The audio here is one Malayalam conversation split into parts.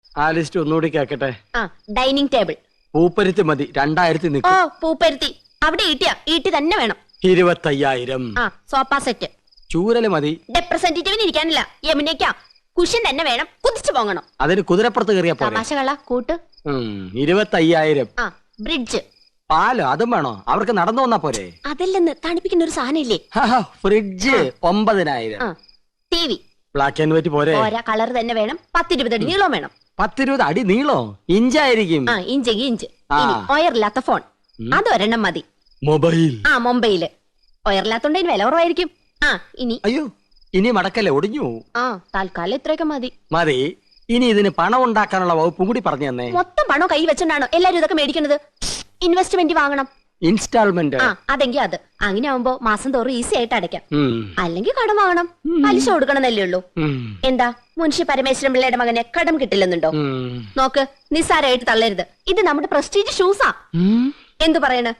ആ ലിസ്റ്റ് ഒന്നുകൂടി കേക്കട്ടെ. ഡൈനിങ് ടേബിൾ പൂപ്പരുത്തി മതി, 2000 നിൽക്കും. പൂപ്പരുത്തി അവിടെ ഈട്ടി തന്നെ വേണം. 25,000. Sofa set. ചൂരല് മതി. റെപ്രസെന്റേറ്റീവിന് ഇരിക്കാനില്ല, യമുനയ്ക്കാ. കുഷൻ തന്നെ വേണം, കുതിച്ചു പോകണം. അതിന് കുതിരപ്പുറത്ത് കയറിയാ പോലെ. തമാശകള കൂട്ട്. 25,000. ബ്രിഡ്ജ്. പാലോ അതും വേണോ? അവർക്ക് നടന്നു വന്നാ പോരെ? അതല്ലെന്ന്, തണുപ്പിക്കുന്ന ഒരു സാധനം ഇല്ലേ? Fridge 9,000. T V black and white പോരെ? കളർ തന്നെ വേണം. 10-20 അടി നീളം വേണം. 10-20 അടി നീളോ? ഇഞ്ചായിരിക്കും. ഇഞ്ച്. ഒയറില്ലാത്ത ഫോൺ അതൊരെണ്ണം മതി. മൊബൈല് ഒയറില്ലാത്തോണ്ട് വില കുറവായിരിക്കും. അയ്യോ ഇനി മടക്കല്ലേ, ഒടിഞ്ഞു. തൽക്കാലം ഇത്രയൊക്കെ മതി. ഇനി ഇതിന് പണം ഉണ്ടാക്കാനുള്ള വകുപ്പും കൂടി പറഞ്ഞു തന്നെ. മൊത്തം പണം കൈ വെച്ചോണ്ടാണോ എല്ലാരും ഇതൊക്കെ മേടിക്കുന്നത്? ഇൻവെസ്റ്റ്മെന്റ് വാങ്ങണം. ഇൻസ്റ്റാൾമെന്റ്. അതെങ്കിൽ അത് അങ്ങനെ ആവുമ്പോ മാസം തോറും ഈസി ആയിട്ട് അടയ്ക്കാം. അല്ലെങ്കിൽ കടം വാങ്ങണം, പലിശ കൊടുക്കണമെന്നല്ലേ ഉള്ളൂ. എന്താ മുൻഷി പരമേശ്വരൻ പിള്ളയുടെ മകനെ കടം കിട്ടില്ലെന്നുണ്ടോ? നോക്ക്, നിസ്സാരമായിട്ട് തള്ളരുത്. ഇത് നമ്മുടെ പ്രസ്റ്റീജ് ഷൂസാ. എന്തു പറയണെന്ന്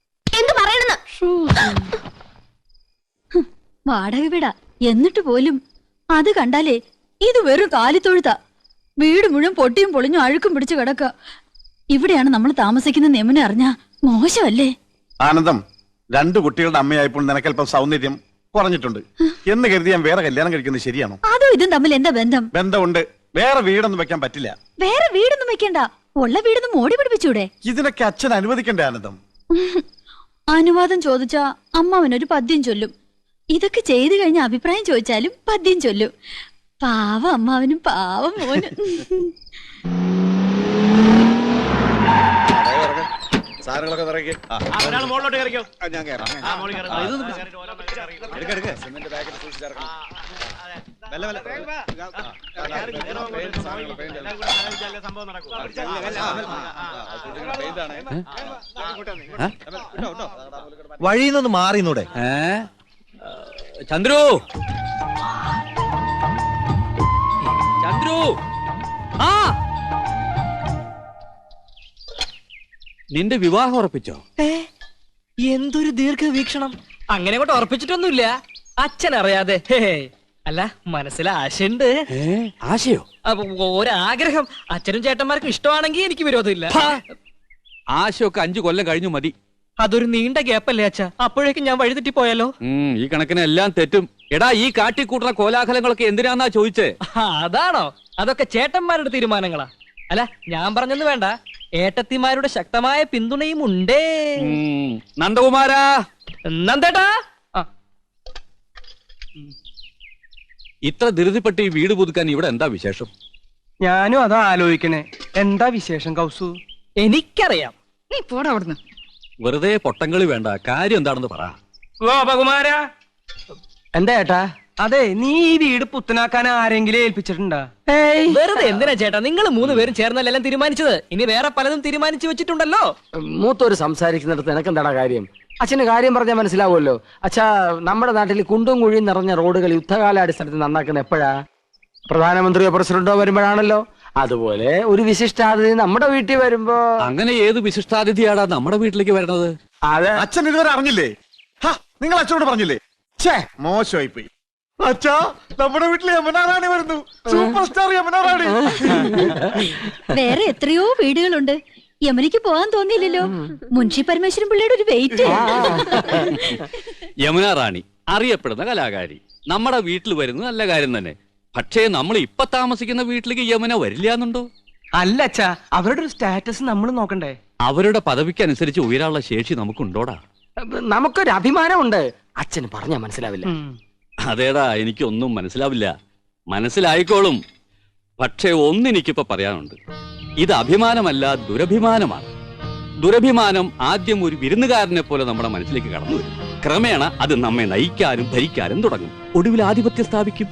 വാടക വീടാ എന്നിട്ട് പോലും അത് കണ്ടാലേ ഇത് വെറും കാലിത്തൊഴുത്താ. വീട് മുഴുവൻ പൊട്ടിയും പൊളിഞ്ഞും അഴുക്കും പിടിച്ചു കിടക്ക. ഇവിടെയാണ് നമ്മൾ താമസിക്കുന്ന നെമനെ അറിഞ്ഞാ മോശമല്ലേ? ആനന്ദം, 2 കുട്ടികളുടെ അമ്മയായപ്പോൾ നിനക്കല്പം സൗന്ദര്യം കുറഞ്ഞിട്ടുണ്ട് എന്ന് കരുതി ഞാൻ വേറെ കല്യാണം കഴിക്കുന്നത് ശരിയാണോ? അതും ഇതും തമ്മിൽ എന്താ ബന്ധം? ബന്ധമുണ്ട്. വേറെ വീടൊന്നും വെക്കാൻ പറ്റില്ല. വേറെ വീടൊന്നും വെക്കണ്ട, ഉള്ള വീടൊന്നും മോടി പിടിപ്പിച്ചൂടെ? ഇതിനൊക്കെ അച്ഛൻ അനുവദിക്കണ്ടേ ആനന്ദം? അനുവാദം ചോദിച്ചാ അമ്മാവനൊരു പദ്യം ചൊല്ലും. ഇതൊക്കെ ചെയ്തു കഴിഞ്ഞ അഭിപ്രായം ചോദിച്ചാലും പദ്യം ചൊല്ലും. പാവം അമ്മാവനും പാവം മോനും. വഴിന്നൊന്ന് മാറിന്നൂടെ? ചന്ദ്രു, നിന്റെ വിവാഹം ഉറപ്പിച്ചോ? എന്തൊരു ദീർഘവീക്ഷണം. അങ്ങനെ കൊണ്ട് ഉറപ്പിച്ചിട്ടൊന്നുമില്ല, അച്ഛൻ അറിയാതെ. അല്ല, മനസ്സിൽ ആശയുണ്ട്. ആശയോ? ഒരാഗ്രഹം. അച്ഛനും ചേട്ടന്മാർക്കും ഇഷ്ടമാണെങ്കിൽ എനിക്ക് വിരോധമില്ല. ആശയൊക്കെ 5 കൊല്ലം കഴിഞ്ഞു മതി. അതൊരു നീണ്ട ഗ്യാപ്പല്ലേ അച്ഛാ? അപ്പോഴേക്കും ഞാൻ വഴിതെറ്റി പോയാലോ? ഈ കണക്കിന് എല്ലാം തെറ്റും. എടാ, ഈ കാട്ടിക്കൂട്ടുന്ന കോലാഹലങ്ങളൊക്കെ എന്തിനാന്നാ ചോദിച്ചേ? അതാണോ? അതൊക്കെ ചേട്ടന്മാരുടെ തീരുമാനങ്ങളാ. അല്ല, ഞാൻ പറഞ്ഞെന്ന് വേണ്ട, ഏട്ടത്തിമാരുടെ ശക്തമായ പിന്തുണയും ഉണ്ടേ. നന്ദകുമാരാ, നന്ദേട്ടാ, ഇത്ര ധൃതിപ്പെട്ട് ഈ വീട് പുതുക്കാൻ ഇവിടെ എന്താ വിശേഷം? ഞാനും അതാ ആലോചിക്കണേ. എന്താ വിശേഷം കൗസു? എനിക്കറിയാം. നീ പോടാ അവിടുന്ന്. വെറുതെ പൊട്ടങ്കളി വേണ്ട, കാര്യം എന്താണെന്ന് പറ. ഗോപകുമാര, എന്താ ഏട്ടാ? അതെ, നീ ഈ വീട് പുത്തനാക്കാൻ ആരെങ്കിലും ഏൽപ്പിച്ചിട്ടുണ്ടാ? വെറുതെ എന്തിനാ ചേട്ടാ, നിങ്ങൾ 3 പേരും ചേർന്നല്ലെല്ലാം തീരുമാനിച്ചത്. ഇനി വേറെ പലതും തീരുമാനിച്ചു വെച്ചിട്ടുണ്ടല്ലോ. മൂത്തോര് സംസാരിക്കുന്നിടത്ത് എനക്കെന്താടാ കാര്യം? അച്ഛന് കാര്യം പറഞ്ഞാൽ മനസ്സിലാവുമല്ലോ. അച്ഛാ, നമ്മുടെ നാട്ടിൽ കുണ്ടും കുഴിയും നിറഞ്ഞ റോഡുകൾ യുദ്ധകാലാടിസ്ഥാനത്തിൽ നന്നാക്കുന്ന എപ്പോഴാ? പ്രധാനമന്ത്രിയോ പ്രസിഡന്റോ വരുമ്പോഴാണല്ലോ. അതുപോലെ ഒരു വിശിഷ്ടാതിഥി നമ്മുടെ വീട്ടിൽ വരുമ്പോ. അങ്ങനെ ഏത് വിശിഷ്ടാതിഥിയാടാ നമ്മുടെ വീട്ടിലേക്ക് വരണത്? അതെ, അച്ഛൻ ഇതുവരെ അറിഞ്ഞില്ലേ? നിങ്ങൾ അച്ഛനോട് പറഞ്ഞില്ലേ? മോശമായി പോയി. അച്ഛാ, നമ്മുടെ വീട്ടിൽ യമുന റാണി വരുന്നു. Superstar Yamuna Rani. വേറെ എത്രയോ വീടുകളുണ്ട്. യമുനയ്ക്ക് പോകാൻ തോന്നിയില്ലല്ലോ. മുൻഷി പരമേശ്വരൻ പിള്ളയുടെ ഒരു വെയിറ്റ്. യമുന റാണി അറിയപ്പെടുന്ന കലാകാരി നമ്മുടെ വീട്ടിൽ വരുന്നത് നല്ല കാര്യം തന്നെ. പക്ഷേ നമ്മൾ ഇപ്പൊ താമസിക്കുന്ന വീട്ടിലേക്ക് യമുന വരില്ല എന്നുണ്ടോ? അല്ല അച്ഛാ, അവരുടെ ഒരു സ്റ്റാറ്റസ് നമ്മൾ നോക്കണ്ടേ? അവരുടെ പദവിക്ക് അനുസരിച്ച് ഉയരാനുള്ള ശേഷി നമുക്കുണ്ടോടാ? നമുക്കൊരു അഭിമാനമുണ്ട്. അച്ഛന് പറഞ്ഞാ മനസ്സിലാവില്ല. അതേടാ, എനിക്കൊന്നും മനസ്സിലാവില്ല. മനസ്സിലായിക്കോളും. പക്ഷേ ഒന്നെനിക്കിപ്പോ പറയാനുണ്ട്. ഇത് അഭിമാനമല്ല, ദുരഭിമാനമാണ്. ദുരഭിമാനം ആദ്യം ഒരു വിരുന്നുകാരനെ പോലെ നമ്മുടെ മനസ്സിലേക്ക് കടന്നു വരും. ക്രമേണ അത് നമ്മെ നയിക്കാനും ഭരിക്കാനും തുടങ്ങും. ഒടുവിൽ ആധിപത്യം സ്ഥാപിക്കും.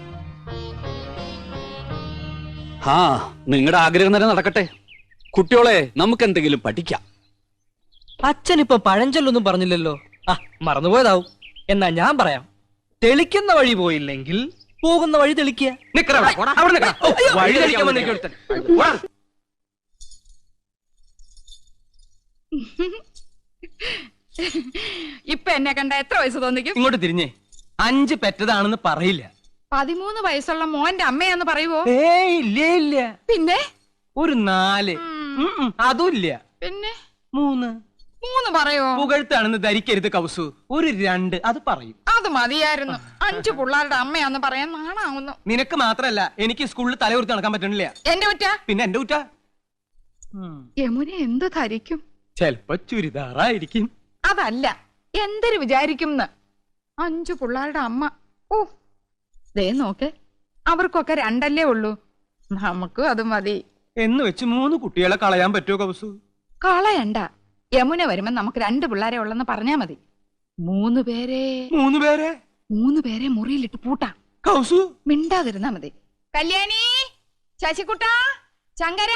നിങ്ങളുടെ ആഗ്രഹം തന്നെ നടക്കട്ടെ. കുട്ടിയോളെ, നമുക്ക് എന്തെങ്കിലും പഠിക്കാം. അച്ഛനിപ്പോ പഴഞ്ചൊല്ലൊന്നും പറഞ്ഞില്ലല്ലോ. മറന്നുപോയതാവും. എന്നാ ഞാൻ പറയാം. തെളിക്കുന്ന വഴി പോയില്ലെങ്കിൽ പോകുന്ന വഴി തെളിക്കുക. വഴി തെളിക്കാൻ വന്നിരിക്കും. ഇപ്പൊ എന്നെ കണ്ട എത്ര വയസ്സ് തോന്നിക്കും? ഇങ്ങോട്ട് തിരിഞ്ഞേ. 5 പെറ്റതാണെന്ന് പറയില്ല. 13 വയസ്സുള്ള മോന്റെ അമ്മയാന്ന് പറയുവോ? ഇല്ല. പിന്നെ ഒരു 4. അതുമില്ല. പിന്നെ 3. 3 പറയോ? പുകഴ്ത്താണെന്ന് ധരിക്കരുത് കൗസു. ഒരു 2 അത് പറയും. അത് മതിയായിരുന്നു. 5 പിള്ളേരുടെ അമ്മയാന്ന് പറയാൻ നാണാവുന്നു. നിനക്ക് മാത്രല്ല, എനിക്ക് സ്കൂളിൽ തലയുർത്തി നടക്കാൻ പറ്റണില്ല. എന്റെ കുറ്റ? പിന്നെ എന്റെ കുറ്റ. യമുന എന്ത് ധരിക്കും? ചെലപ്പോ ചുരിദാറായിരിക്കും. അതല്ല, എന്തൊരു വിചാരിക്കും 5 പിള്ളേരുടെ അമ്മ. ഓ, ദേ നോക്ക്, അവർക്കൊക്കെ 2 ഉള്ളൂ. നമുക്കും അത് മതി എന്ന് വെച്ച് 3 കുട്ടികളെ കളയാൻ പറ്റുമോ കൗസു? കളയണ്ട. യമുന വരുമ്പോ നമുക്ക് 2 പിള്ളേരെ ഉള്ളെന്ന് പറഞ്ഞാ മതി. 3 പേരെ 3 പേരെ മുറിയിലിട്ട് പൂട്ടാം. കൗസു മിണ്ടാതിരുന്നാ മതി. കല്യാണി, ശശികുട്ട, ശങ്കര.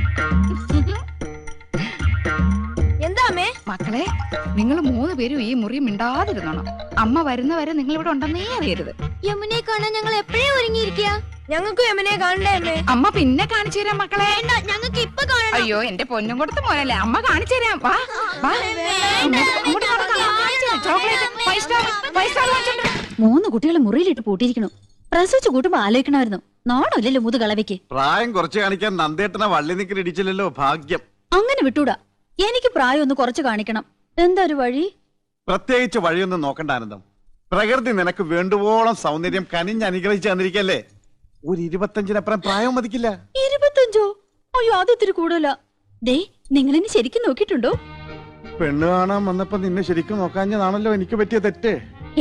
എന്താ അമ്മേ? മക്കളെ, നിങ്ങൾ 3 പേരും ഈ മുറി മിണ്ടാതിരുന്നോണം. അമ്മ വരുന്നവരെ നിങ്ങൾ ഇവിടെ ഉണ്ടെന്നേ അറിയരുത്. യമുനെ കാണാൻ ഞങ്ങൾ എപ്പോഴേ ഒരുങ്ങിയിരിക്കുക. ഞങ്ങൾക്ക് യമുനെ കാണണ്ടേ അമ്മേ? അമ്മ പിന്നെ കാണിച്ചു തരാം മക്കളെ. ഞങ്ങൾക്ക് ഇപ്പൊ കാണണം. അയ്യോ, എന്റെ പൊന്നും കൊടുത്ത് മോനല്ലേ, അമ്മ കാണിച്ചു തരാം. വാ വാ, അങ്ങോട്ട് നടക്കാം. ചോക്ലേറ്റ് 5 സ്റ്റാർ വാങ്ങിച്ചോണ്ട് വാ. 3 കുട്ടികളെ മുറിയിലിട്ട് പൂട്ടിയിരിക്കണു. പ്രസവിച്ചു കൂട്ടുമ്പോ ആലോചിക്കണമായിരുന്നു. നാണമില്ലല്ലോ മുതു കളവയ്ക്ക്. പ്രായം കുറച്ച് കാണിക്കാൻ നന്ദേട്ടനെ വള്ളി നിക്കൽ ഇടിച്ചില്ലല്ലോ, ഭാഗ്യം. അങ്ങനെ വിട്ടൂടാ. എനിക്ക് പ്രായം ഒന്ന് കുറച്ച് കാണിക്കണം. എന്താ ഒരു വഴി? പ്രത്യേകിച്ച് വഴിയൊന്നും നോക്കണ്ട ആനന്ദം. പ്രകൃതി നിനക്ക് വേണ്ടുവോളം സൗന്ദര്യം കനിഞ്ഞ് അനുഗ്രഹിച്ച് തന്നിരിക്കല്ലേ. ഒരു 25-നപ്പുറം പ്രായം മതിക്കില്ല. 25? അയ്യോ, അതിത്തിരി കൂടുതലാ. ദേ, നിങ്ങളെന്നെ ശരിക്കും നോക്കിയിട്ടുണ്ടോ? പെണ്ണ് കാണാൻ വന്നപ്പോ നിന്നെ ശരിക്കും നോക്കാഞ്ഞതാണല്ലോ എനിക്ക് പറ്റിയ തെറ്റ്.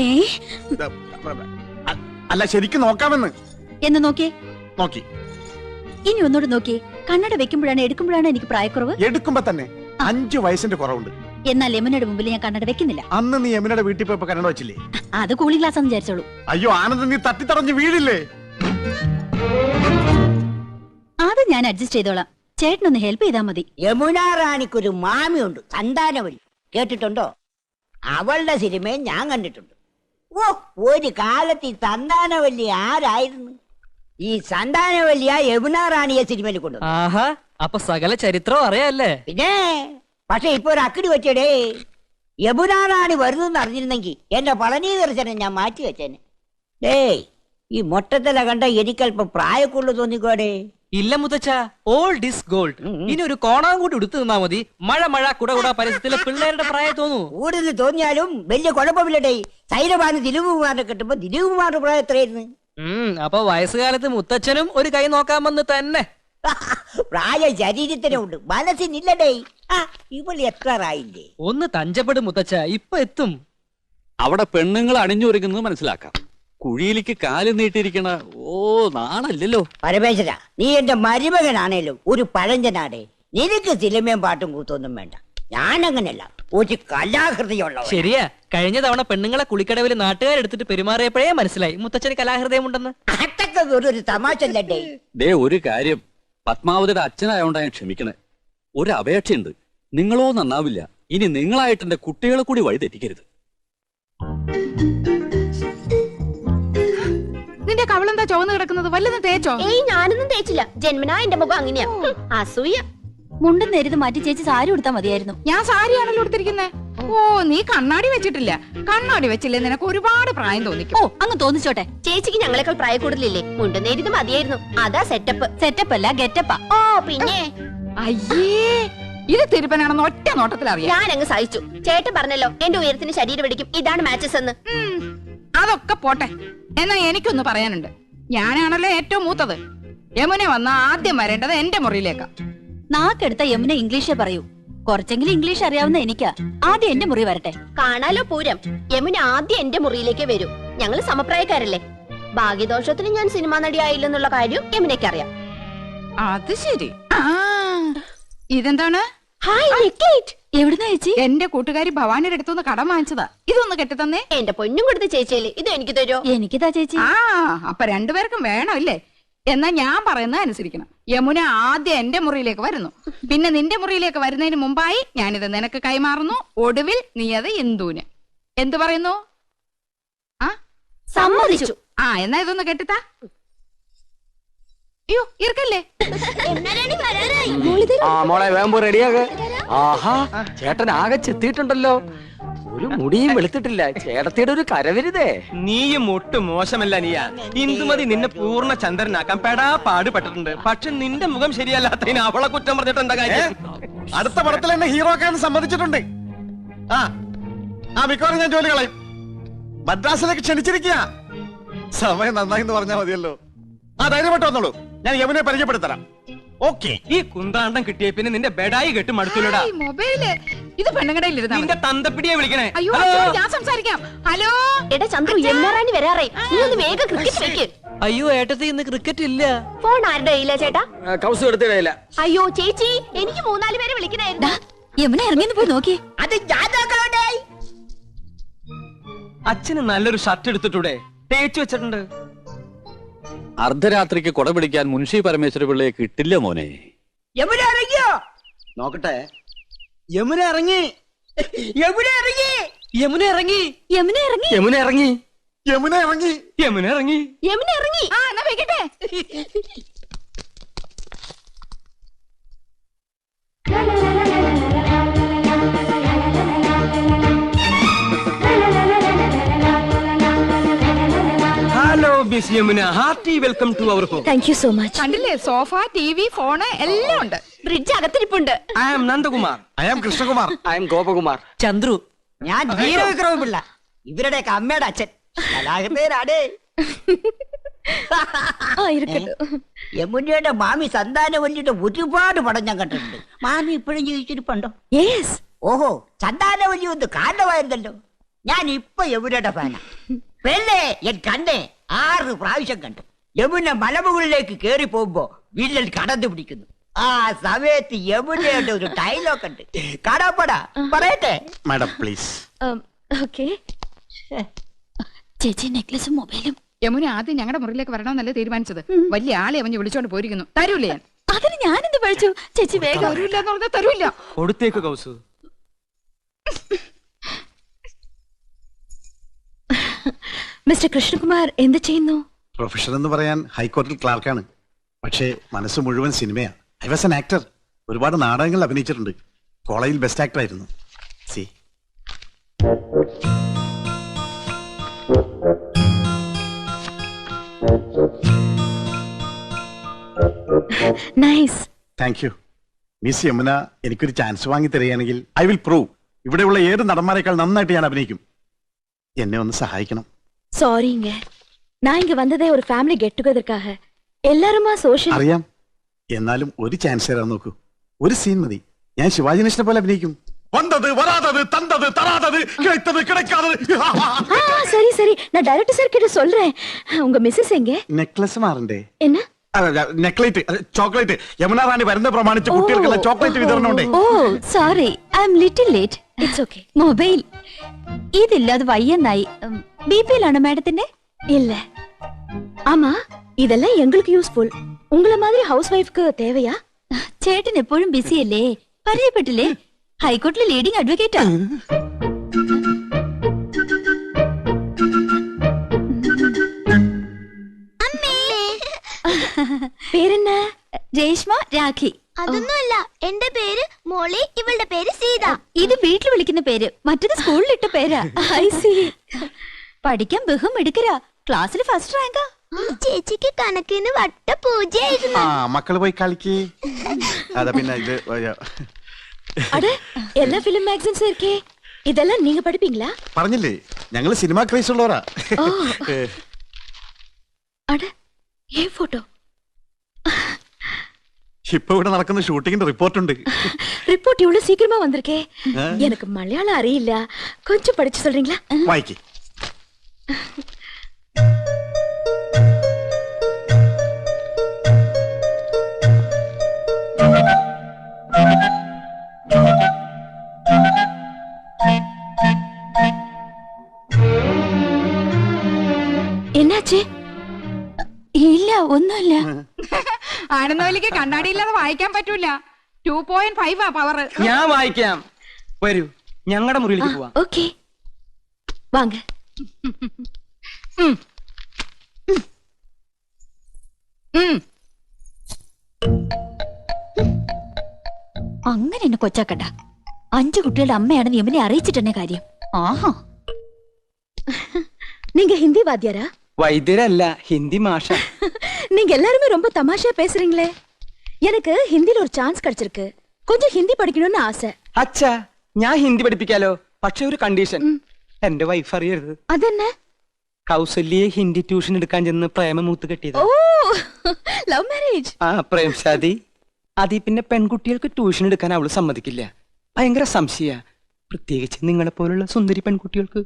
അല്ല, ശരിക്കും നോക്കാമെന്ന്. എന്ന് നോക്കിയേ. നോക്കി. ഇനി ഒന്നുകൂടെ നോക്കിയേ. കണ്ണട വെക്കുമ്പോഴാണ് എടുക്കുമ്പോഴാണ് എനിക്ക് പ്രായക്കുറവ്. എടുക്കുമ്പോ തന്നെ 5 വയസ്സിന്റെ കുറവുണ്ട്. എന്നാൽ യമുനയുടെ മുമ്പിൽ ഞാൻ കണ്ണട വെക്കുന്നില്ല. അന്ന് നീ യമുനയുടെ വീട്ടിൽ പോയപ്പോ കണ്ണട വെച്ചില്ലേ? അത് കൂളിംഗ് ഗ്ലാസ് എന്ന് വിചാരിച്ചോളൂ. അയ്യോ ആനന്ദ്, നീ തട്ടിത്തടഞ്ഞ് വീഴില്ലേ? അത് ഞാൻ അഡ്ജസ്റ്റ് ചെയ്തോളാം. ചേട്ടനൊന്ന് ഹെൽപ്പ് ചെയ്താൽ മതി. യമുന റാണിക്കൊരു മാമിയുണ്ട്, സന്താനവല്ലി. കേട്ടിട്ടുണ്ടോ? അവളുടെ സിനിമയും ഞാൻ കണ്ടിട്ടുണ്ട്. ഓ, ഒരു കാലത്ത് ഈ സന്താനവല്ലി ആരായിരുന്നു? ഈ സന്താനവല്ലിയ യമുന റാണിയെ സിനിമയിൽ കൊണ്ടു. ആഹാ, അപ്പൊ സകല ചരിത്രം അറിയാല്ലേ? പിന്നെ പക്ഷെ ഇപ്പൊ ഒരു അക്കിടി വെച്ചടേ. യമുന റാണി വരുന്നെന്ന് അറിഞ്ഞിരുന്നെങ്കിൽ എന്റെ പളനി ദർശനം ഞാൻ മാറ്റി വെച്ചേനെ. ഡേയ്, ഈ മൊട്ടത്തില കണ്ട എനിക്കല്പം പ്രായക്കുള്ളു തോന്നിക്കോടെ. ഇല്ല മുത്തച്ഛ, ഓൾഡ് ഇസ് ഗോൾഡ്. ഇനി ഒരു കോണാൻ കൂടി എടുത്തു നിന്നാ മതി. മഴ കുട പരിസരത്തിലെ പിള്ളേരുടെ പ്രായം തോന്നൂ. കൂടുതൽ തോന്നിയാലും വലിയ കുഴപ്പമില്ലടേ. സൈലബാന് ദിലീപ് കുമാറിനെ കിട്ടുമ്പോ ദിലീപ് കുമാറിന്റെ പ്രായം എത്രയായിരുന്നു? അപ്പൊ വയസ്സുകാലത്ത് മുത്തച്ഛനും ഒരു കൈ നോക്കാമെന്ന് തന്നെ. പ്രായം ശരീരത്തിനുണ്ട്, മനസ്സിനില്ലടേ. ഇവള് എത്രറായില്ലേ? ഒന്ന് തഞ്ചപ്പെടും മുത്തച്ഛ, ഇപ്പൊ എത്തും. അവിടെ പെണ്ണുങ്ങൾ അണിഞ്ഞൊരുങ്ങുന്നത് മനസ്സിലാക്കാം. കുഴിയിലേക്ക് കാല് നീട്ടിയിരിക്കണ നാണല്ലോ. പരമേശ്വര, നീ എന്റെ മരുമകനാണേലും ഒരു പഴഞ്ചനാടേ. നിനക്ക് സിനിമയും പാട്ടും കൂത്തൊന്നും വേണ്ട. ഞാനങ്ങനല്ല, ഒരു കലാഹൃദയമുള്ള. ശരിയാ, കഴിഞ്ഞ തവണ പെണ്ണുങ്ങളെ കുളിക്കടവിൽ നാട്ടുകാരെടുത്തിട്ട് പെരുമാറിയപ്പോഴേ മനസ്സിലായി മുത്തച്ഛന് കലാഹൃദയമുണ്ടെന്ന്. അതൊക്കെ ഒരു തമാശ അല്ലേ? ദേ, ഒരു കാര്യം, പത്മാവതിയുടെ അച്ഛനായോണ്ടാ ഞാൻ ക്ഷമിക്കണേ. ഒരു അപേക്ഷയുണ്ട്. നിങ്ങളോ നന്നാവില്ല, ഇനി നിങ്ങളായിട്ട് എന്റെ കുട്ടികളെ കൂടി വഴി തെറ്റിക്കരുത്. നിന്റെ കവളെന്താ ചുവന്ന് കിടക്കുന്നത്? വല്ലതും തേച്ചോ? ഏയ്, ഞാനൊന്നും തേച്ചില്ല. ജന്മനാ എന്റെ മുഖം അങ്ങനെയാ. അസൂയ. മുണ്ടും നേരിത് മാറ്റി ചേച്ചി സാരി ഉടുത്താ മതിയായിരുന്നു. ഞാൻ സാരിയാണല്ലോ എടുത്തിരിക്കുന്നത്. ഓ, നീ കണ്ണാടി വെച്ചിട്ടില്ല. കണ്ണാടി വെച്ചില്ലേ നിനക്ക് ഒരുപാട് പ്രായം തോന്നിക്കും. ഓ, അങ്ങ് തോന്നിച്ചോട്ടെ. ചേച്ചിക്ക് ഞങ്ങളെക്കാൾ പ്രായ കൂടുതലില്ലേ? മുണ്ടും നേരിത് മതിയായിരുന്നു. അതാ സെറ്റപ്പ്. സെറ്റപ്പ് അല്ല, ഗെറ്റപ്പാ. ഓ, പിന്നെ അയ്യേ, ഇത് തിരുപ്പനാണെന്ന് ഒറ്റ നോട്ടത്തിൽ അറിയാം. ഞാൻ അങ്ങ് സഹിച്ചു. ചേട്ടൻ പറഞ്ഞല്ലോ എന്റെ ഉയരത്തിന് ശരീരം പിടിക്കും, ഇതാണ് മാച്ചസ് എന്ന്. അതൊക്കെ പോട്ടെ. എന്നാ എനിക്കൊന്ന് പറയാനുണ്ട്. ഞാനാണല്ലോ ഏറ്റവും മൂത്തത്. യമുന വന്ന ആദ്യം വരേണ്ടത് എന്റെ മുറിയിലേക്കാ. നാക്കെടുത്ത യമുന ഇംഗ്ലീഷേ പറയൂ. കുറച്ചെങ്കിലും ഇംഗ്ലീഷ് അറിയാവുന്ന എനിക്കാ. ആദ്യം എന്റെ മുറി വരട്ടെ. കാണാലോ പൂരം. യമുന ആദ്യം എന്റെ മുറിയിലേക്ക് വരൂ. ഞങ്ങള് സമപ്രായക്കാരല്ലേ. ഭാഗ്യദോഷത്തിന് ഞാൻ സിനിമാ നടിയായില്ലെന്നുള്ള കാര്യം യമുനയ്ക്ക് അറിയാം. അത് ശരി. ഇതെന്താണ്? എവിടുന്നാ ചേച്ചി? എന്റെ കൂട്ടുകാരി ഭവാനിയുടെ അടുത്തുനിന്ന് കടം വാങ്ങിച്ചതാ. ഇതൊന്ന് കെട്ടിത്തന്നേ. എന്റെ പൊന്നും കൊടുത്ത ചേച്ചിയല്ലേ, ഇത് എനിക്ക് തരുമോ? എനിക്കിതാ ചേച്ചി. അപ്പൊ രണ്ടുപേർക്കും വേണം ഇല്ലേ? എന്നാ ഞാൻ പറയുന്നത് അനുസരിക്കണം. യമുന ആദ്യം എന്റെ മുറിയിലേക്ക് വരുന്നു, പിന്നെ നിന്റെ മുറിയിലേക്ക് വരുന്നതിന് മുമ്പായി ഞാനിത് നിനക്ക് കൈമാറുന്നു. ഒടുവിൽ നീ അത് ഇന്ദുവിന്. എന്തു പറയുന്നു? സമ്മതിച്ചു. എന്നാ ഇതൊന്ന് കെട്ടിത്താ. അയ്യോ, ഇറക്കല്ലേ. മോളെ വേമ്പോ റെഡിയാക. ആഹാ, ചേട്ടൻ ആകെ ചെത്തിയിട്ടുണ്ടല്ലോ. ഒരു മുടിയും വെളുത്തിട്ടില്ല. ചേട്ടത്തിയുടെ ഒരു കരവരുതേ. നീയും ഒട്ടും മോശമല്ല നീയാ. ഇന്ദുമതി നിന്നെ പൂർണ്ണ ചന്ദ്രനാക്കാൻ പെടാ പാടുപെട്ടിട്ടുണ്ട്. പക്ഷെ നിന്റെ മുഖം ശരിയല്ലാത്തതിന് അവളെ കുറ്റം പറഞ്ഞിട്ട് എന്താ കാര്യം? അടുത്ത പടത്തിൽ എന്നെ ഹീറോ ആക്കാൻ സമ്മതിച്ചിട്ടുണ്ട്. ആ മിക്കവാറും ഞാൻ ജോലി കളയും. മദ്രാസിലേക്ക് ക്ഷണിച്ചിരിക്കുക. സമയം നന്നായി എന്ന് പറഞ്ഞാൽ മതിയല്ലോ. ധൈര്യമായിട്ട് വന്നോളൂ, ഞാൻ യമുനെ പരിചയപ്പെടുത്തരാം. ഓക്കെ. ഈ കുന്താണ്ടം കിട്ടിയ പിന്നെ നിന്റെ ബെഡായി കെട്ട് മടുത്തില്ലടാ. മൊബൈല് ഇത് പെണ്ണുകടയിലിരുന്ന നിന്റെ തന്തപ്പിടിയെ വിളിക്കണേ. അയ്യോ ഞാൻ സംസാരിക്കാം. ഹലോ എടാ ചന്ദ്രു, യമുനാറാണി വരാറേ. നീ ഒന്ന് വേഗം ക്രിക്കറ്റ് വെക്ക്. അയ്യോ ഏട്ടത്തി ഇന്ന് ക്രിക്കറ്റ് ഇല്ല. ഫോൺ ആരുടെ കയ്യിലാ ചേട്ടാ? കൗസ് എടുത്തിടയില്ല. അയ്യോ ചേച്ചി, എനിക്ക് 3-4 പേരെ വിളിക്കണായിരുന്നു. യമുന ഇറങ്ങിന്ന് പോയി നോക്കി. അത് ഞാൻ നോക്കണേ. അച്ഛന് നല്ലൊരു ഷർട്ട് എടുത്തിട്ടൂടെ? തേച്ചു വെച്ചിട്ടുണ്ട്. അർദ്ധരാത്രിക്ക് കൊട പിടിക്കാൻ മുൻഷി പരമേശ്വര പിള്ളയെ കിട്ടില്ല മോനെ. യമുന ഇറങ്ങിയോ? നോക്കട്ടെ. യമുന ഇറങ്ങി. യമുന ഇറങ്ങി. യമുന ഇറങ്ങി. യമുന ഇറങ്ങി. യമുന ഇറങ്ങി. യമുന ഇറങ്ങി. യമുന ഇറങ്ങി. യമുന ഇറങ്ങി. ആ എന്നാ വെക്കട്ടെ. Hello miss Yamuna, hearty welcome to our home. Thank you so much. കണ്ടില്ലേ, സോഫ, ടി.വി., ഫോണ് എല്ലാം ഉണ്ട്. ഫ്രിഡ്ജ് അകത്തിരിപ്പുണ്ട്. I am Nandakumar. I am Krishnakumar. I'm Gopakumar. Chandru. ഞാൻ വീരവിക്രമ പിള്ള, ഇവരുടെയൊക്കെ അമ്മയുടെ അച്ഛൻ. കലാകൃതനാടേ. യമുനയുടെ മാമി സന്താനവല്ലിയുടെ ഒരുപാട് പടം ഞാൻ കണ്ടിട്ടുണ്ട്. മാമി ഇപ്പോഴും ജീവിച്ചിരിപ്പുണ്ടോ? യെസ്. ഓഹോ, സന്താനവല്ലി ഒന്ന് കാരണമായിരുന്നല്ലോ. ഞാൻ ഇപ്പൊ യമുനയുടെ ഫാനാ. പെണ്ണേ ഞാൻ കണ്ടേ 6 പ്രാവശ്യം കണ്ടു. യമുന മലമുകളിലേക്ക് കേറി പോകുമ്പോ വില്ലൻ കടന്നു പിടിക്കുന്നു. ആ സമയത്ത് യമുനയുടെ ഒരു ഡയലോഗ് ഉണ്ട്. കാണാപ്പടാ പറയട്ടെ? Madam please. ഓക്കെ. ചേച്ചി നെക്ലസും മൊബൈലും. യമുന ആദ്യം ഞങ്ങളുടെ മുറിയിലേക്ക് വരണമെന്നല്ലേ തീരുമാനിച്ചത്. വലിയ ആളെ അവന് വിളിച്ചോണ്ട് പോയിരിക്കുന്നു. തരൂല്ലേ? ഞാൻ അതിന് ഞാനെന്ത് പഴിച്ചു? ചേച്ചി വേഗം. തരൂല്ല എന്ന് പറഞ്ഞാൽ തരൂല്ല. കൊടുത്തേക്ക് കൗസു. മിസ്റ്റർ കൃഷ്ണകുമാർ എന്ത് ചെയ്യുന്നു? പ്രൊഫഷൻ എന്ന് പറയാൻ ഹൈക്കോടതിയിൽ ക്ലാർക്കാണ്. പക്ഷേ മനസ്സ് മുഴുവൻ സിനിമയാണ്. I was an actor. ഒരുപാട് നാടകങ്ങൾ അഭിനയിച്ചിട്ടുണ്ട്. കോളേജിൽ ബെസ്റ്റ് ആക്ടർ ആയിരുന്നു. See nice. Thank you. Miss Yamuna എനിക്കൊരു ചാൻസ് വാങ്ങി തരികയാണെങ്കിൽ ഐ വിൽ പ്രൂവ് ഇവിടെയുള്ള ഏത് നടന്മാരെക്കാൾ നന്നായിട്ട് ഞാൻ അഭിനയിക്കും. എന്നെ ഒന്ന് സഹായിക്കണം. சாரிங்க, நான் இங்க வந்ததே ஒரு ஃபேமிலி கெட் டுகெதர்க்காக. எல்லாருமா சோஷியல். അറിയാം. എന്നാലും ഒരു ചാൻസ് തരാൻ നോക്കൂ. ഒരു സീൻ മതി. ഞാൻ ശിവാജി ഗണേശനെ പോലെ അഭിനയിക്കും. വന്നത് വരാതത് തന്നത് തരാതത് கிடைத்தது கிடைக்காதது. சரி சரி, நான் டைரக்டர் சார் கிட்ட சொல்றேன். உங்க மிஸ்ஸஸ் எங்க? നെക്ലസ് മാറണ്ടേ? என்ன? നെക്ലേറ്റ്, ചോക്ലേറ്റ്. യമുന റാണി വരുന്ന പ്രമാണിച്ച് കുട്ടികൾക്കുള്ള ചോക്ലേറ്റ് വിതരണം ഉണ്ട്. Oh sorry, I am little late. It's okay. Mobile ഇതില്ലാതെ വയ്യെന്നായി. ബിപിയിലാണോ മാഡത്തിന്റെ? இல்ல. ஆமா, இதெல்லாம் எங்களுக்கு யூஸ்ஃபுல். உங்கள மாதிரி ஹவுஸ் வைஃப்க்கு தேவையா? ചേട്ടൻ എപ്പോഴും ബിസി അല്ലേ? പരിചയപ്പെട്ടില്ലേ? ഹൈക്കോടതിയിലെ ലീഡിംഗ് അഡ്വക്കേറ്റാ. പേരെന്നാ? രേഷ്മ, രാഖി. അതൊന്നുമല്ല, എന്റെ പേര് മോളി, ഇവളുടെ പേര് സീത. ഇത് വീട്ടിൽ വിളിക്കുന്ന പേര്, മറ്റത് സ്കൂളിലിട്ട പേരാ. I see. പഠിക്കാൻ ബഹും എടുക്കരാ. ക്ലാസ്സിൽ ഫസ്റ്റ് റാങ്കാ. ചേച്ചിക്ക് കണക്കിന് വട്ട പൂജയായിരുന്നു. മക്കള് പോയി കളിക്ക്. അതാ പിന്നെ ഇത് அட எல்லா ஃபிலிம் மேகசின்ஸ் இருக்கே, இதெல்லாம் நீங்க படிப்பீங்களா? പറഞ്ഞില്ലേ, ഞങ്ങള് സിനിമ ക്രേസ് ഉള്ളവരാ. அட ஏன் போட்டோ? ഇപ്പൊ ഇവിടെ നടക്കുന്ന ഷൂട്ടിങ്ങിന്റെ റിപ്പോർട്ട് ഉണ്ട്. ரிப்போர்ட் இவ்வளவு சீக்கிரமா வந்திருக்கே. எனக்கு மலையாளம் அறியில்ல, கொஞ்சம் படிச்சு சொல்றீங்களா? വായിക്ക്. என்னாச்சு? ഇല്ല, ഒന്നുമില്ല. ആനന്ദവല്ലിക്ക് കണ്ണാടിയില്ലാതെ വായിക്കാൻ പറ്റൂല. 2.5 പവർ. ഞാൻ വായിക്കാം. വരൂ, ഞങ്ങളുടെ മുറിയിലേക്ക് പോവാം. ഓക്കേ, വാങ്ങ. അങ്ങനെ എന്നെ കൊച്ചാക്കട്ട. 5 കുട്ടികളുടെ അമ്മയാണെന്ന് യമുനെ അറിയിച്ചിട്ടെന്നെ കാര്യം. ஆஹா நீங்க ஹிந்தி வாத்தியாரா? വൈദ്യരല്ല, ഹിന്ദി മാഷ. நீங்க எல்லாருமே ரொம்ப தமாஷா பேசுறீங்களே. எனக்கு ஹிந்தில ஒரு சான்ஸ் கிடைச்சிருக்கு. கொஞ்சம் ஹிந்தி പഠിക്കണമെന്ന് ആസை. അച്ഛാ, ഞാൻ ഹിന്ദി പഠിപ്പിക്കാലോ. പക്ഷെ ഒരു കണ്ടീഷൻ, എന്റെ വൈഫ് അറിയരുത്. അതെന്നെ? കൗസല്യെ ഹിന്ദി ട്യൂഷൻ എടുക്കാൻ ചെന്ന് പ്രേമമൂത്ത് കെട്ടിയത്. Oh, love marriage. ആ, പ്രേം ശാദി. അതിൽ പിന്നെ പെൺകുട്ടികൾക്ക് ട്യൂഷൻ എടുക്കാൻ അവള് സമ്മതിക്കില്ല. ഭയങ്കര സംശയ, പ്രത്യേകിച്ച് നിങ്ങളെ പോലുള്ള സുന്ദരി പെൺകുട്ടികൾക്ക്.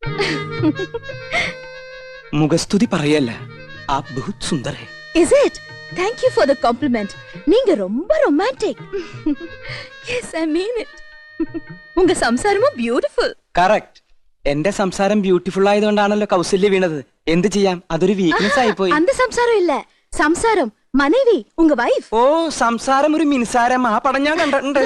മുഖസ്തുതി പറയല്ല, ആ ബഹുത് സുന്ദർ ഹൈ. Is it? Thank you for the compliment. நீங்க ரொம்ப romantic. Yes, I mean it. உங்க സംസാരமும் beautiful. കറക്റ്റ്. എന്റെ സംസാരം ബ്യൂട്ടിഫുൾ ആയതുകൊണ്ടാണല്ലോ കൗസല്യ വീണത്. എന്ത് ചെയ്യാം, അതൊരു വീക്ക്നെസ് ആയിപ്പോയി. அந்த സംസാരം ഇല്ല, സംസാരം മനേവി, ഉങ്ക വൈഫ്. ഓ, സംസാരം ഒരു മിൻസാരം. ആ പടം ഞാൻ കണ്ടിട്ടുണ്ട്.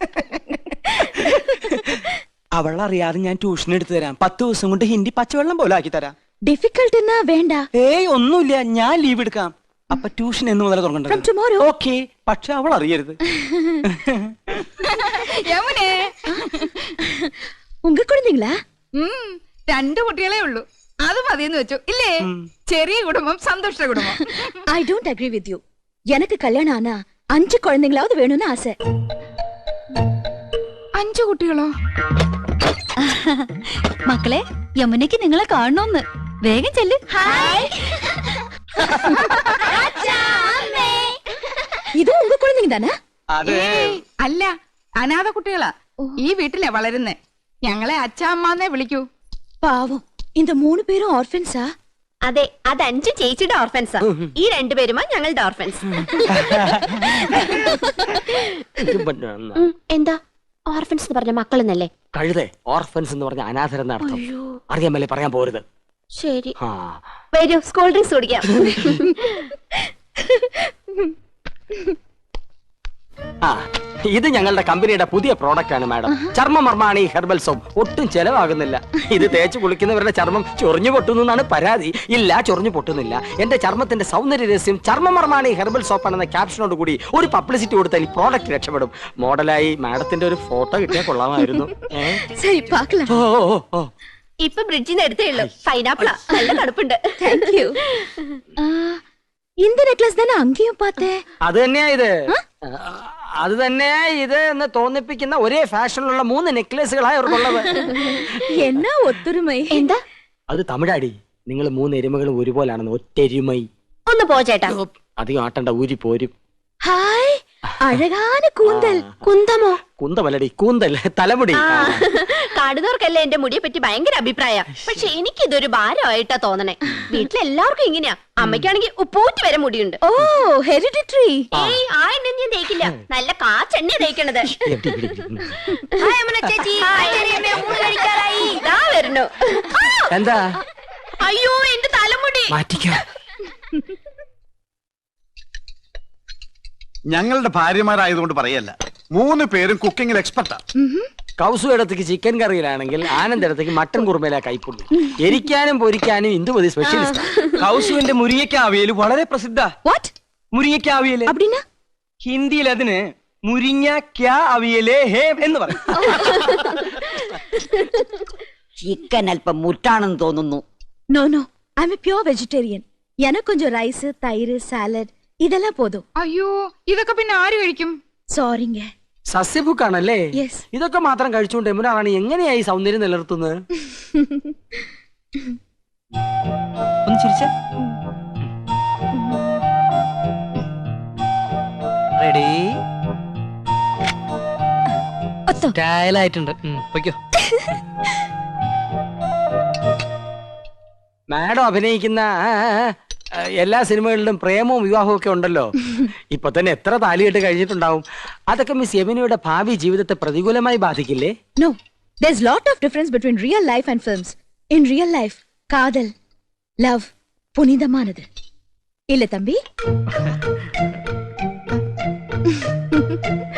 അവളറിയാതെ ഞാൻ ട്യൂഷൻ എടുത്തു തരാം. 10 ദിവസം കൊണ്ട് ഹിന്ദി പച്ചവെള്ളം പോലെ ആക്കി തരാം. ഡിഫിക്കൽട്ട് എന്നാ വേണ്ട. ഏയ് ഒന്നുമില്ല, ഞാൻ ലീവ് എടുക്കാം. അപ്പൊ ട്യൂഷൻ എന്ന് മുതൽ തുടങ്ങണ്ടത്. ഓക്കെ, പക്ഷെ അവൾ അറിയരുത്. യമുനേ, ഉങ്ക കുഴந்தைங்களா? 2 കുട്ടികളേ ഉള്ളൂ. അത് മതിയെന്ന് വെച്ചു ഇല്ലേ? ചെറിയ കുടുംബം, സന്തോഷ കുടുംബം. I don't agree with you. எனக்கு கல்யாணம் ஆனா 5 குழந்தைங்களாவது வேணும்னு ஆசை. 5 കുട്ടികളോ? മക്കളെ, യമുനയ്ക്ക് നിങ്ങളെ കാണണമെന്ന്. വേഗം ചെല്ല്. ഇത് ഉങ്ക കുഴந்தைங்க தானே? അല്ല, അനാഥ കുട്ടികളാ. ഈ വീട്ടിലെ വളരുന്നേ. ഞങ്ങളെ അച്ഛാമ്മന്നേ വിളിക്കൂ. പാവം, இந்த 3 പേരും ഓർഫൻസാ? അതെ, അത് 5 ചേച്ചിയുടെ ഓർഫൻസാ. ഈ 2 പേരുമാ ഞങ്ങളുടെ ഓർഫൻസ്. എന്താ ഓർഫൻസ് എന്ന് പറഞ്ഞ മക്കളെന്നല്ലേ? കഴുതേ, ഓർഫൻസ് എന്ന് പറഞ്ഞ അനാഥരെന്ന അർത്ഥം. അറിയാമല്ലേ, പറയാൻ പോരുത്. ശരി, വരൂ, സ്കൂൾ ഡ്രിങ്ക്സ് കുടിക്കാം. ആ, ഇത് ഞങ്ങളുടെ കമ്പനിയുടെ പുതിയ പ്രോഡക്റ്റ് ആണ് മാഡം. ചർമ്മമർമാണി herbal soap. ഒട്ടും ചെലവാകുന്നില്ല. ഇത് തേച്ച് കുളിക്കുന്നവരുടെ ചർമ്മം ചൊറിഞ്ഞു പൊട്ടുന്നു എന്നാണ് പരാതി. ഇല്ല, ചൊറിഞ്ഞു പൊട്ടുന്നില്ല. എന്റെ ചർമ്മത്തിന്റെ സൗന്ദര്യ രഹസ്യം ചർമ്മമർമാണി ഹെർബൽ സോപ്പ് ആണെന്ന ക്യാപ്ഷനോട് കൂടി ഒരു പബ്ലിസിറ്റി കൊടുത്താൽ ഈ പ്രോഡക്റ്റ് രക്ഷപ്പെടും. മോഡലായി മാഡത്തിന്റെ ഒരു ഫോട്ടോ കിട്ടിയാൽ കൊള്ളാമായിരുന്നു. ശരി, പാക്കലാം. ഇപ്പൊ ബ്രിഡ്ജിൽ നിന്ന് എടുത്തേ ഉള്ളൂ. പൈനാപ്പിളാ, നല്ല തണുപ്പുണ്ട്. Thank you. இந்த நெக்லஸ் தானே அங்கேயும் பார்த்தேன். അത് തന്നെയാ ഇത്. അത് തന്നെയാ ഇത് എന്ന് തോന്നിപ്പിക്കുന്ന ഒരേ ഫാഷനിലുള്ള 3 നെക്ലേസുകളായി അവർക്കുള്ളത്. എന്നാ ഒത്തൊരുമൈ. എന്താ അത് തമിഴാടി. നിങ്ങൾ 3 എരുമകളും ഒരുപോലാണെന്ന്. ഒറ്റെരുമൈ. ഒന്ന് പോ ചേട്ടാ. അധികം ആട്ടണ്ട, ഊരി പോരും. ഹായ്, അഴകാന കൂന്തൽ. കുന്തമോ? കുന്തമല്ലടി, കൂന്തൽ, തലമുടി. കാണുന്നവർക്കല്ലേ എന്റെ മുടിയെ പറ്റി ഭയങ്കര അഭിപ്രായ. പക്ഷെ എനിക്കിതൊരു ഭാരമായിട്ടാ തോന്നണേ. വീട്ടിലെല്ലാവർക്കും ഇങ്ങനെയാ. അമ്മയ്ക്കാണെങ്കിൽ ഉപ്പൂറ്റി വരെ മുടിയുണ്ട്. ഓ, ഹെറിഡിറ്ററി. ഏയ്, ആ എണ്ണ ഞാൻ തേക്കില്ല. നല്ല കാച്ചെണ്ണ തേക്കണത്. ചേച്ചി വരുന്നു. എന്താ? അയ്യോ, എന്റെ തലമുടി മാറ്റിക്കാം. ഞങ്ങളുടെ ഭാര്യമാരായതുകൊണ്ട് പറയല്ല, 3 പേരും കുക്കിങ്ങിൽ എക്സ്പെർട്ടാ. കൗസു ഇടത്തേക്ക് ചിക്കൻ കറിയിലാണെങ്കിൽ ആനന്ദ് ഇടത്തേക്ക് മട്ടൻ കുറുമയിലാ കൈപ്പുള്ളൂ. എരിക്കാനും പൊരിക്കാനും ഇന്ദുമതി സ്പെഷ്യലിസ്റ്റ്. കൗസുവിന്റെ മുരിങ്ങയ്ക്കാവിയൽ വളരെ പ്രസിദ്ധ. മുരിങ്ങയ്ക്കാവിയല് ഹിന്ദിയിൽ അതിന് മുരിങ്ങ അവിയലേ ഹേ എന്ന് പറയും. ചിക്കൻ അല്പം മുറ്റാണെന്ന് തോന്നുന്നു. No no, I'm a pure vegetarian. எனக்கு கொஞ்சம் ரைஸ், தயிர், സാലഡ് ഇതെല്ലാം പോതും. അയ്യോ, ഇതൊക്കെ പിന്നെ ആര് കഴിക്കും? സോറിങ്ക. സസ്യഭുക്കാണല്ലേ? ഇതൊക്കെ മാത്രം കഴിച്ചുകൊണ്ട് യമുന റാണി എങ്ങനെയായി സൗന്ദര്യം നിലനിർത്തുന്നത്? ഒന്ന് ചിരിച്ചേ. റെഡി? സ്റ്റൈലായിട്ടുണ്ട്. പൊയ്ക്കോ. മാഡം അഭിനയിക്കുന്ന എല്ലാ സിനിമകളിലും പ്രേമവും വിവാഹവും ഒക്കെ ഉണ്ടല്ലോ. ഇപ്പൊ തന്നെ എത്ര താലികെട്ട് കഴിഞ്ഞിട്ടുണ്ടാവും. അതൊക്കെ മിസ് യമുനയുടെ ഭാവി ജീവിതത്തെ പ്രതികൂലമായി ബാധിക്കില്ലേ? No, there's lot of difference between real life and films. In real life, കാതൽ, love പുനിതമാനത്. ഇല്ല തമ്പി?